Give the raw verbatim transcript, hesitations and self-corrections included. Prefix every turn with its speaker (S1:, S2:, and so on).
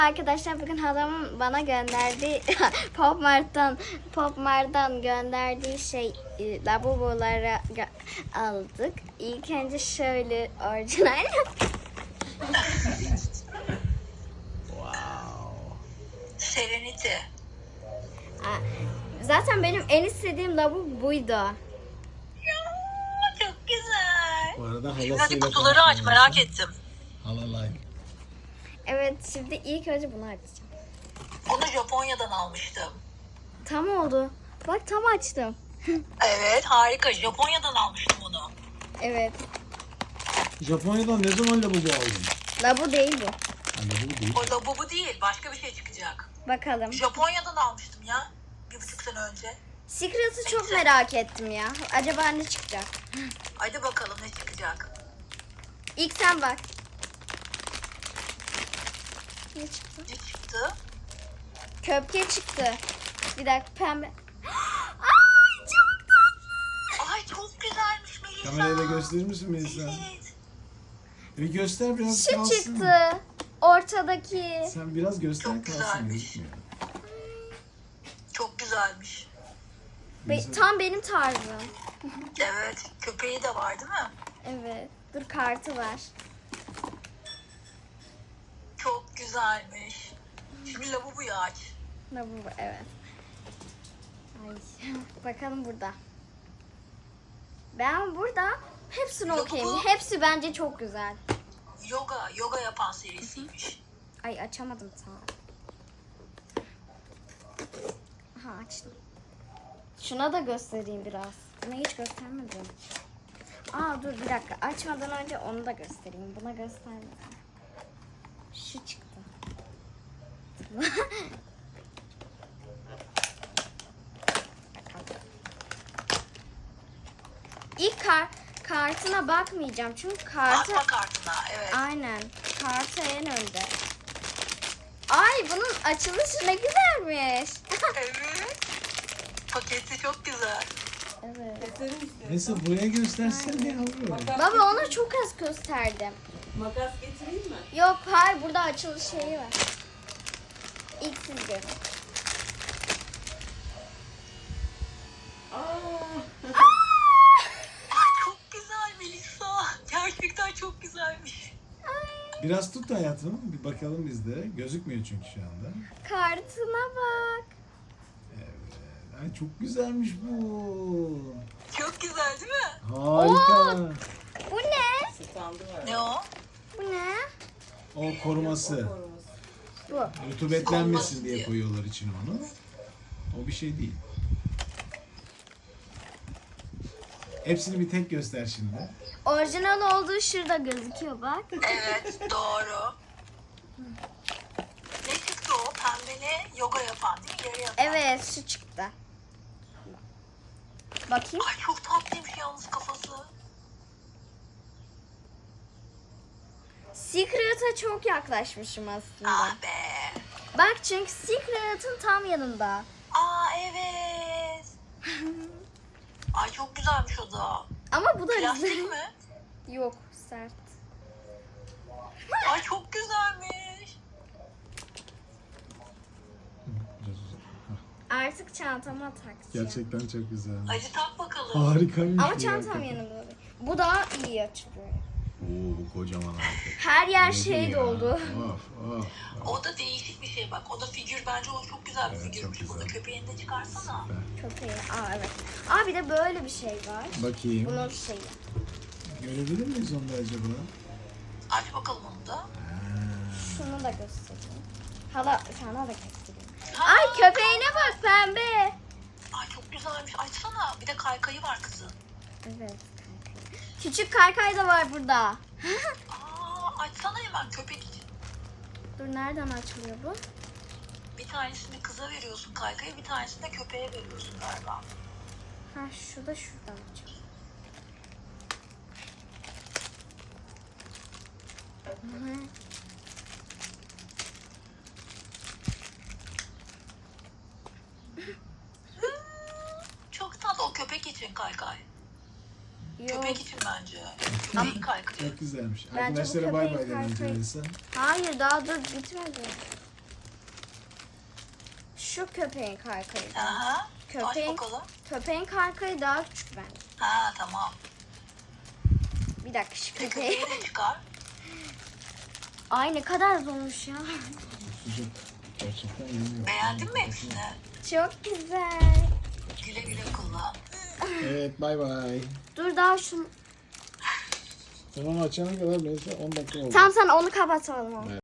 S1: Arkadaşlar bugün halamın bana gönderdiği Pop Mart'tan Pop Mart'tan gönderdiği şey e, lavaboları aldık. İlk önce şöyle orijinal.
S2: Wow.
S3: Serenity.
S1: Zaten benim en istediğim lavabo buydu.
S3: Ya, çok güzel.
S2: Bu arada
S3: Şimdi
S2: halasıyla
S3: hadi kutuları aç, merak ettim.
S2: Halalay.
S1: Evet, şimdi ilk önce bunu açacağım.
S3: Bunu Japonya'dan almıştım.
S1: Tam oldu. Bak tam açtım.
S3: Evet, harika. Japonya'dan almıştım bunu.
S1: Evet.
S2: Japonya'dan ne zaman lavabo aldın?
S1: Lavabo değil bu.
S2: Ha, lavabo değil.
S3: O da bu, bu değil. Başka bir şey çıkacak.
S1: Bakalım.
S3: Japonya'dan almıştım ya. Bir buçuk sene önce.
S1: Secret'ı çok merak ettim ya. Acaba ne çıkacak?
S3: Hadi bakalım ne çıkacak.
S1: İlk sen bak. Ne çıktı?
S3: Ne çıktı?
S1: Köpke çıktı. Bir dakika pembe. Ay çok tatlı.
S3: Ay çok güzelmiş Melisa.
S2: Kamerayı da gösterir misin Melisa?
S3: Evet.
S2: Bir göster biraz
S1: Şu
S2: kalsın.
S1: çıktı. Ortadaki.
S2: Sen biraz göster
S3: Çok
S2: kalsın
S3: güzelmiş.
S2: gözükmüyor.
S3: Çok güzelmiş.
S1: Be-
S2: Melisa-
S1: tam benim tarzım.
S3: Evet. Köpeği de var değil mi?
S1: Evet. Dur kartı var.
S3: Çok güzelmiş. Şimdi lavaboyu aç.
S1: Ne bu? Evet. Ay. Bakalım burada. Ben burada hepsini
S3: Yok,
S1: okuyayım.
S3: bu-
S1: Hepsi bence çok güzel.
S3: Yoga, yoga yapan serisiymiş.
S1: Ay açamadım tam. Aha açtım. Şuna da göstereyim biraz. Bunu hiç göstermedim. Aa dur bir dakika. Açmadan önce onu da göstereyim. Buna göstermedim. Şu çıktı. Bakalım. İlk kar kartına bakmayacağım çünkü kartı
S3: Bakma kartına, evet.
S1: aynen kartı en önde. Ay bunun açılışı ne güzelmiş.
S3: Evet. Paketi çok güzel.
S1: Evet.
S2: Melisa buraya göstersene yavrum.
S1: Baba onu çok az gösterdim.
S4: Makas getireyim mi?
S1: Yok hayır burada açılış şeyi var. İlk siz görün.
S4: Aa,
S3: Ay çok güzel Melisa. Gerçekten çok güzelmiş.
S2: Biraz tut hayatım. Bir bakalım biz de. Gözükmüyor çünkü şu anda.
S1: Kartına bak.
S2: Evet. Ay çok güzelmiş bu.
S3: Çok güzel değil mi?
S2: Harika.
S1: Bu ne?
S4: standı var.
S3: Ne o?
S1: Bu ne?
S2: O koruması.
S4: Koruması.
S1: Bu.
S2: Rutubetlenmesin diye koyuyorlar içine onu. O bir şey değil. Hepsini bir tek göster şimdi.
S1: Orijinal olduğu şurada gözüküyor bak.
S3: Evet doğru. Ne çıktı o? Pembeli yoga yapan değil mi? Yere yatan.
S1: Evet şu çıktı. Bakayım.
S3: Ay çok tatlıymış yalnız kafası.
S1: Secret'a çok yaklaşmışım aslında.
S3: Ah be.
S1: Bak çünkü Secret'ın tam yanında.
S3: Aa evet. Ay çok güzelmiş o da.
S1: Ama bu da
S3: Plastik
S1: güzel.
S3: mi?
S1: Yok sert.
S3: Ay çok güzelmiş.
S2: Biraz uzak. Hah,
S1: Artık çantama takacağım.
S2: gerçekten çok güzel.
S3: Hadi tak bakalım.
S2: Harikaymış.
S1: Ama
S2: bu
S1: çantam
S2: hakikaten.
S1: yanımda. Bu daha iyi açılıyor.
S2: Oo bu kocaman harika.
S1: Her yer
S2: Oldu
S1: şey
S2: ya.
S1: doldu.
S2: Of of.
S3: O da değişik bir şey bak. O da figür bence o çok güzel bir
S2: Evet,
S3: figürmüş.
S2: çok
S3: Burada
S2: güzel.
S3: köpeğini de çıkarsana.
S2: Süper.
S1: Çok iyi. Aa evet. Aa bir de böyle bir şey var.
S2: Bakayım.
S1: Bunun şeyi.
S2: Görebilir miyiz onu da acaba?
S3: Aç bakalım onu da.
S2: Ha.
S1: Şunu da göstereyim. Hala sana da göstereyim.
S3: Ha,
S1: Ay köpeğine bak pembe.
S3: Ay çok güzelmiş. Açsana. Bir de kaykayı var kızın.
S1: Evet. Küçük kaykay da var burada.
S3: Aa, açsana hemen köpek için.
S1: Dur nereden açılıyor bu?
S3: Bir tanesini kıza veriyorsun kaykayı, bir tanesini de köpeğe veriyorsun galiba.
S1: Ha şu da şuradan açılıyor. Hı.
S3: Çok tatlı o köpek için kaykay.
S1: Yok.
S3: Köpek için bence. Köpeğin kaykayı.
S2: Çok güzelmiş.
S1: Bence bu
S2: Arkadaşlara bay bay
S1: köpeğin
S2: dedim
S1: kaykayı-
S2: Melisa.
S1: Hayır daha dur bitmedi. şu köpeğin kaykayı.
S3: Aha.
S1: Köpeğin,
S3: Aç bakalım.
S1: köpeğin kaykayı daha küçük bence.
S3: Ha tamam.
S1: Bir dakika şu
S3: Bir
S1: köpeği.
S3: köpeği de çıkar.
S1: Ay ne kadar zormuş ya.
S2: Sıcak. Gerçekten yemiyor.
S3: Beğendin mi hepsini?
S1: Çok güzel.
S3: Güle güle kullan.
S2: Evet bay bay.
S1: Dur daha şunu.
S2: Sen onu açana kadar neyse on dakika oldu.
S1: Tamam sen onu kapatalım.